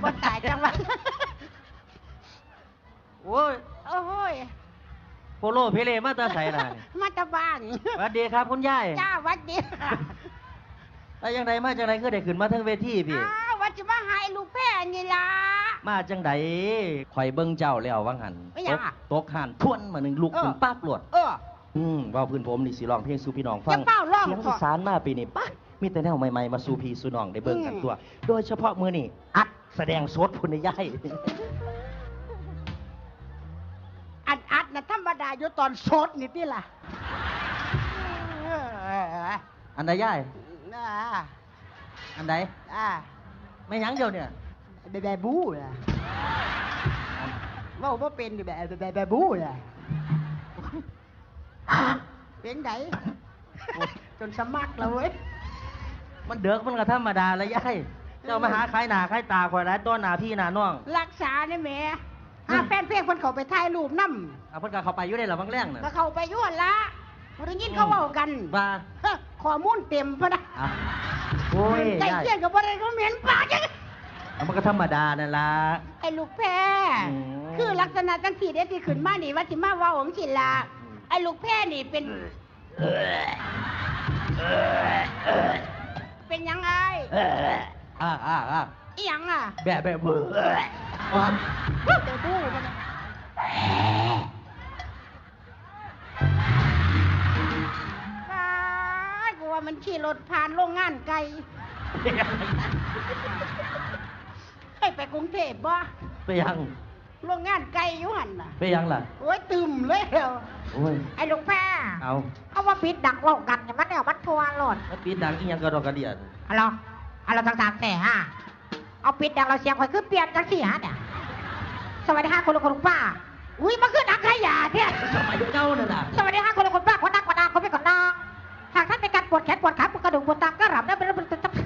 บ่ตายจังหวะโอ้ยโอ้ยโปโลเพเลมาตาใส่ล่ะมาตาบ้านสวัสดีครับคุณยายจ้าวัดดีแล้วยังไงมาจังไดคือได้ขึ้นมาทั้งเวทีพี่ว่าจะมาหายลูกแพ้นี่ล่ะมาจังไดข่อยเบิ่งเจ้าแล้ววังหันตกหันทวนมาหนึ่งลูกเป็นปั๊บหลวดว่าพื้นผมนี่สิร้องเพลงสู่พี่น้องฟังเสียงอีสานมาปีนี้ปั๊บมีแต่แนวใหม่ๆมาสู่พี่สู่น้องได้เบิ่งกันตัวโดยเฉพาะมื้อนี้อัดแสดงสดพุ่นยายอัดนะธรรมดาอยู่ตอนสดนี่ติล่ะอันใดยายอันใดไม่ยั้งเดียวเนี่ยแบบบู๊ล่ะว่าบ่เป็นแบบบู๊ล่ะเป็นไงจนสมัครแล้วเว้ยมันเดือกมันก็ธรรมดาละยายเจ้ามาหาใครหน้าใครตาคอยร้ายต้นหน้าพี่หน้าน้องรักษาเนี่ยแม่แฟนเพลงคนเขาไปถ่ายรูปน้ำเพิ่นก็เขาไปอยู่ได้หรอบางแรงน่ะก็เขาไปยุ่นละมันได้ยินเขาเว้ากันว่าข้อมูลเต็มพะนะโอ้ยใจเย็นกับอะไรก็เหม็นปากจังมันก็ธรรมดานั่นล่ะไอ้ลูกแพ้คือลักษณะจังสี่เด็ดที่ขึ้นมานี่ว่าสิมาเว้าของสิล่ะไอ้ลูกแพ้นี่เป็นยังไงอีหยังแบบเบื่อเดี๋ยวดูมันกูว่ามันขี่รถผ่านโรงงานไกลให้ไปกรุงเทพบ่ไปยังโรงงานไกลอยู่หันน่ะไปยังล่ะโอ้ยตึมเลยโอ้ยไอ้ลูกแพ้เอาว่าปิดดังเว้ากันเนี่ยมันเนี่ยมันทัวร์หลดมันปิดดังอีหยังกระดอกกระเดียดเราต่างๆแต่เอาปิดดังเราเสียงคอยคือเปลี่ยนจังสี่เนี่ยสวัสดีค่ะคุณลุงคุณป้าอุ้ยมันคือนักขยะเนี่ยสมัยเจ้าน่ะสวัสดีค่ะคุณลุงคุณป้าคนนักคนนักคนไม่คนนักหากท่านเป็นการปวดแขนปวดขาปวดกระดูกปวดตามก็รับได้เป็น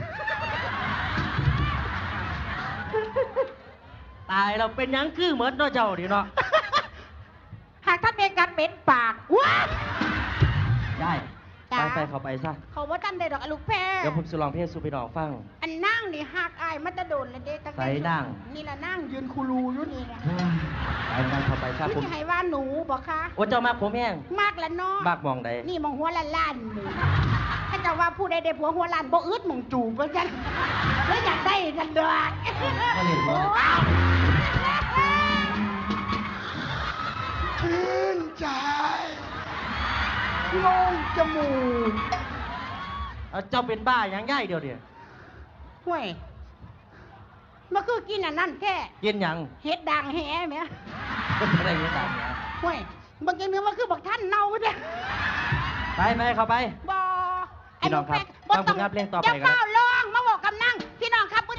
ตายเราเป็นยังคือเหมือนเนาะเจ้าดิเนาะหากท่านเป็นการเหม็นปากว้าได้ไปเขาไปซะเขาว่าท่านได้ดอกลูกแพ้เดี๋ยวผมจะลองเพลงสู่พี่น้องฟังอันนั่งนี่หักอายมันจะโดนเลยเด็กใส่นั่งนี่แหละนั่งยืนคูรูอยู่นี่แหละไปเขาไปซะผมให้ว่าหนูบอกค่ะโอ้เจ้ามากผมแห้งมากแล้วเนาะมากมองใดนี่มองหัวล้านถ้าจะว่าผู้ใดได้ผัวหัวล้านบ่อึดมองจูบเหมือนกันแล้วอยากได้กันเด้อชื่นใจงงจมูกเจ้าเป็นบ้าอย่างง่ายเดียวห่วยมันคือกินอันนั้นแค่กินอย่างเห็ดด่างแห่ไหมอะไรเห็ดด่างแห่ห่วยบางอย่างนึงมันคือบักท่านเน่าเนี่ยไปเข้าไปบ่พี่น้องครับฟังผลงานเพลงต่อไปกันจะเฝ้าลองมาบอกกำนังพี่น้องครับ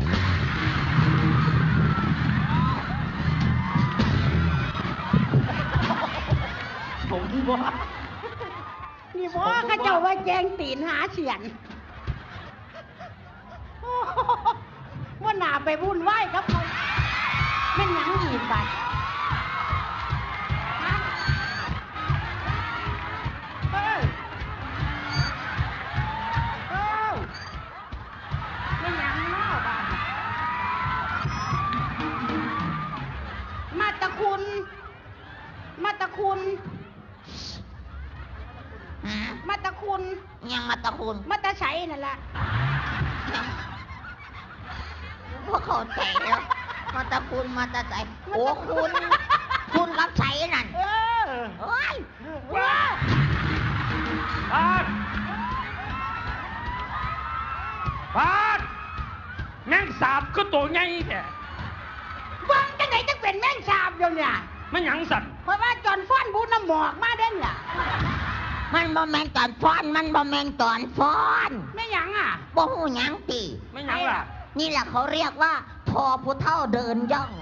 ผมที่ว่านี่ว่าข้าเจ้าว่าแจงตีนหาเฉียนว่าหนาไปวุ่นวายครับเขาไม่ยั้งอีกบัดไม่ยั้งนอกบัดมาตะคุณมาตะคุณยังมาตะคุณมาตะใช้นั่นแหละพวกเขาใจแล้วมาตะคุณมาตะใสโอ้คุณรับใช้นั่นโอ้ยปาดแม่งสาบก็ตัวใหญ่แท้บ้างจังไหนจะเป็นแม่งสาบอยู่เนี่ยมันหยังสั่นเพราะว่าจอนฟ้อนบูน้ำหมอกมาเด่นเนี่ยมันบ่แมงตอนฟ้อนมันบ่แมงตอนฟ้อนไม่หยังบ่หูหยังตีไม่หยังล่ะนี่แหละเขาเรียกว่าทอผู้เฒ่าเดินย่อง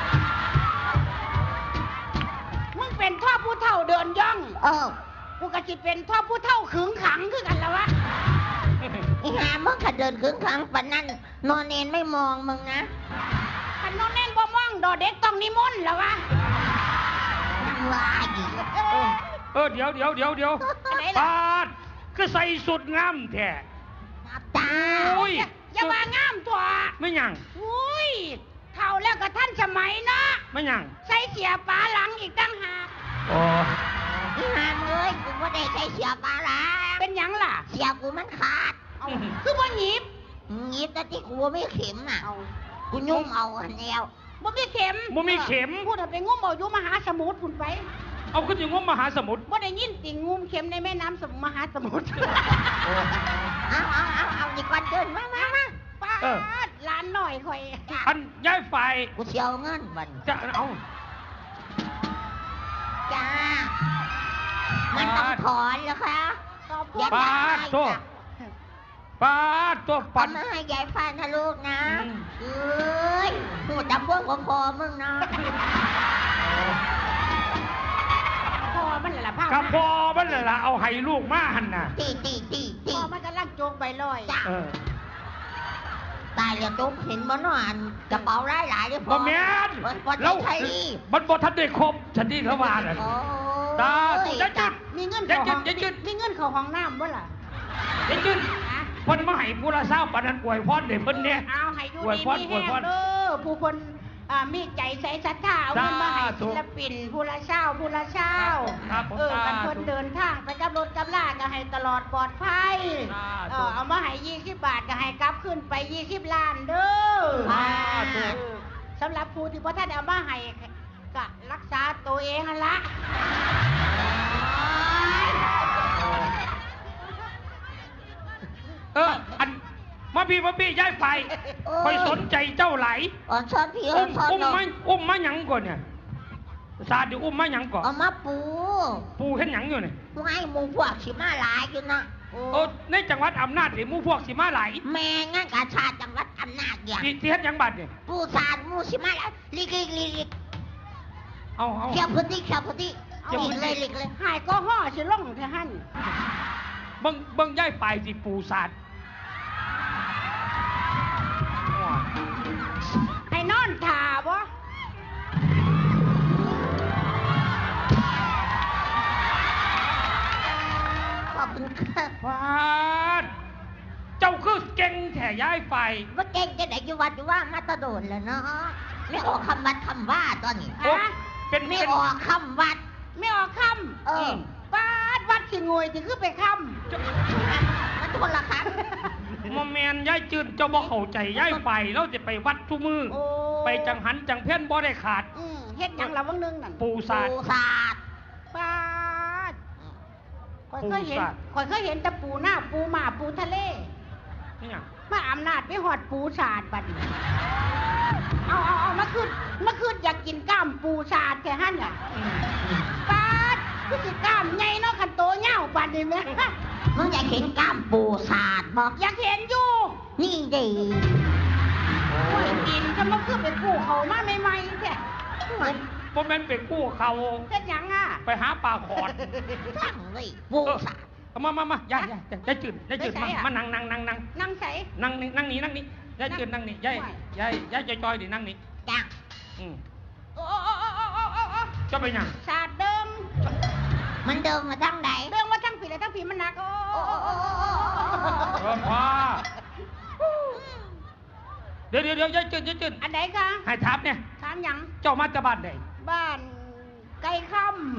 มึงเป็นท่อผู้เฒ่าเดินย่องกูก็จิเป็นท่อผู้เฒ่าขึงขังคือกันแล้ววะอีหามึงขัดเดินขึงขังปะนั่นนอนเนนไม่มองมึงนะขันนอนเนนบ่มองดอเด็กต้องนิมนต์แล้ววะว่าอีกเดี๋ยวปาดก็ใส่สุดงามแท้ตาอย่ามางามตัวไม่หยังอุ้ยเท่าแล้วก็ท่านสมัยเนาะไม่ยังใส่เสียปลาหลังอีกตั้งหากโอ้นี่หามเลยกูไม่ได้ใช้เสียปลาละเป็นหยังล่ะเสียกูมันขาดเอาคือบ่หยิบหยิบแต่ที่กูไม่เข็มน่ะเอากูยุ่งเอาอันเดียวบ่มีเข็มบ่มีเข็มพูดไปงมเอาอยู่มหาสมุทรพุ่นไปเอาขึ้นอยู่งมมหาสมุทรบ่ได้ยินติ่งงุมเข็มในแม่น้ำมหาสมุทรเอาดีกว่าเดินมาป้าดร้านหน่อยคอยอันย้ายไฟกูเสียวเงินบันจะเอาจ้ามันต้องถอนเหรอคะขอบคุอย่าณปาดตัวปาดตัวปัปั่นนมาให้ยายฟันนะลูกนะอืมเอ้ยหูจำพวกก็พอมึงนะพ่อมันล่ะผ้ากับพอมันเลยล่ะเอาให้ลูกมาหันน่ะตีพ่อมันกำลังโจกใบลอยจ้าเออตายแล้วตุ๊กเห็นบ่เนาะอันกระเป๋าหลายๆเลยพบ่อแม่นวันเราไทยดีมันบ่ทันได้ครบฉันนี่ละวาน่ะโอ้ตาถูกได้จุดมีเงินเข้าห้องอย่าจุดมีเงินเข้าห้องน้ำบ่ล่ะเด็กขึ้นฮะเพิ่นมาให้ผู้ละเศร้าปานนั้นอวยพรเด้เพิ่นเนี่ยเอาให้อยู่อวยดีพรมีอวยแห้พงรเด้อผู้คนมีใจใส่ศรัทธาเอาเงินมาให้สาธุศิลปินผู้ละเช้าผู้ละเช้าครับผมกันสาธุเพิ่นเดินทางไปกับรถกับลาก็ให้ตลอดปลอดภัยสาธุเอามาให้20 บาทก็ให้กลับขึ้นไป20 ล้านเด้อสาธุสำหรับผู้ที่บ่ทันเอามาให้ก็รักษาตัวเองหั่นละอันมาพี่ย้ายไฟคอยสนใจเจ้าไหลอ่อนช้อนพี่อ่อนช้อนอุ้มเนาะอุ้มมาหยังก่อนเนี่ยซาดิอุ้มมาหยังก่อนเอามาปูปูเห็นหยังอยู่เนี่ยกูให้หมูพวกสิมาหลายอยู่นะโอ้ในจังหวัดอำนาจนี่หมู่พวกสิมาไหลายแม่งานกาชาติจังหวัดอำนาจอย่างที่เฮ็ดหยังบัดเนี่ยปูสารหมูสิมาหลายลิกเอาเขียวพุทธิลิกเลยลิกเลยหายก็ห่อสิลงเถอะหั่นเบิ่งย้ายไฟสิปูศาสตร์ให้นอนท่าบ่ขอบคุณค่ะฟาดเจ้าคือเก่งแท้ย้ายไฟว่าเก่งจะไหนอยู่วัดอยู่ว่ามาตะโดนแล้วเนาะไม่ออกคำวัดคำว่าตอนนี้โอ้เป็นไม่ออกคำวัดไม่ออกคเออำปาดวัดสิงวยสิคือไปคมันคนละครั้งมอแมนย้ายจืดเจ้าบ่เข้าใจย้ายไฟเราจะไปวัดทุกมือำโอ้ไปจังหันจังเพี้ยนบ่ได้ขาดเฮ็ดหยังละวังนึงนั่นปูศาสตร์ปูศาสตร์ปาดข่อยปูเคยเห็นศาสตร์ข่อยเคยเห็นแต่ปูหน้าปูหมาปูทะเลนี่หยังมาอำนาจไปหอดปูสาดบัดนี้เอามาขึ้นอยากกินกล้ามปูสาดแค่หั่นน่ะปาดคือสิกล้ามใหญ่เนาะคันโตเหย้าบัดนี้แม่มึงอยากเห็นกล้ามปูศาสตร์บอกอยากเห็นอยู่นี่ดีกูเห็นกินจะมาขึ้นไปกู้เขามาใหม่ๆแท้บ่แม่นไปกู้เขาเฮ็ดหยังอ่ะไปหาปลาขอดทั้งเลยปูศาสตร์เอามาย้ายจืดมานั่งนั่งใส่นั่งนี่ย้ายจืดนั่งนี่ย้ายจอยๆดินั่งนี่จ้าอืมโอ้จะไปหยังสาดเดิมมันเดินมาทั้งไหนเรื่องว่าทั้งผีและทั้งผีมันหนักโอ้พอเดี๋ยวย้ายจืดอันไหนคะให้ถามเนี่ยถามหยังเจ้ามาจากบ้านใดบ้านไก่ค่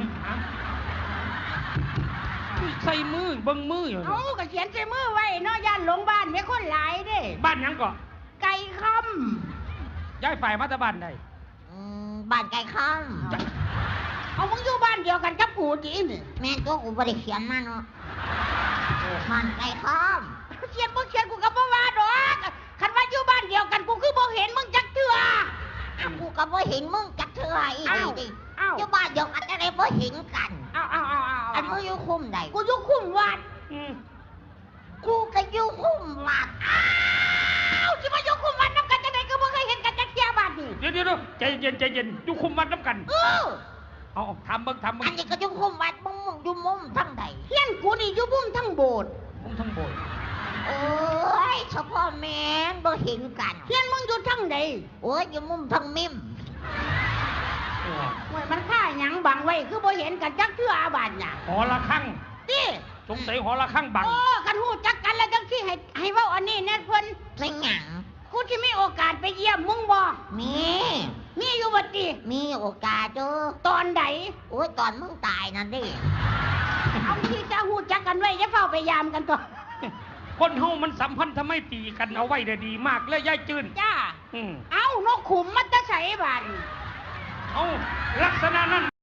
ใส่มือเบิ่งมืออยู่ำเอาก็เขียนใส่มือไว้เนาะย่านหลงบ้านไม่คนหลายเด้บ้านหยังก่อไก่ค่ย้ายฝ่ายมาจากบ้านใดบ้านไก่ข้ามำเอามึงอยู่บ้านเดียวกันกับกูจีนี่แม่ตัวกูบริเขียนมาเนาะบ้านไก่ข้ามเขียนมึงเขียนกูกับบ่ว่าดอกคันว่าอยู่บ้านเดียวกันกูคือบ่เห็นมึงจักเทื่อกูก็บ่เห็นมึงจักเทื่ออีกดิเอ้าอยู่บ้านเดียวกันจะได้บ่เห็นกันเอาอันมึงอยู่คุ้มใดกูอยู่คุ้มวัดอืมกูก็อยู่คุ้มวัดอ้าวสิมาอยู่คุ้มวัดนำกันจังได๋ก็บ่เคยเห็นกันจักเที่ยบัดนี้เดี๋ยวใจเย็นอยู่คุมวัดน้ำกันเออเอาทำเบิ่งอันนี้ก็อยู่คุ้มวัดมึงอยู่มุมทั้งใดเฮียนกูนี่อยู่บุ้มทั้งโบสถ์ผมทั้งโบยโอ้ยเฉพาะแม่นบ่เห็นกันเฮียนมึงอยู่ทั้งใดโอ้ยอยู่มุมทั้งมิมโอ้ยมันค่าหยังบังไว้คือบ่เห็นกันจักเทื่ออาบาดน่ะหอละข้างติสงสัยหอละข้างบังโอ้กันฮู้จักกันแล้วจังสิให้เว้าอันนี้แน่เพิ่นเป็นหยังคกูที่มีโอกาสไปเยี่ยมมึงบ่มีมีอยู่บ่ติมีโอกาสเจอตอนใดโอ้ยตอนมึงตายนั่นดิเอาที่จะฮู้จักกันไว้อย่าเฝ้าไปยามกันตัวคนเฮามันสัมพันธ์ทำไมตรีกันเอาไว้ได้ดีมากเลยยายจืนจ้าเอานกขุมมันจะใส่บาดเอาลักษณะนั้น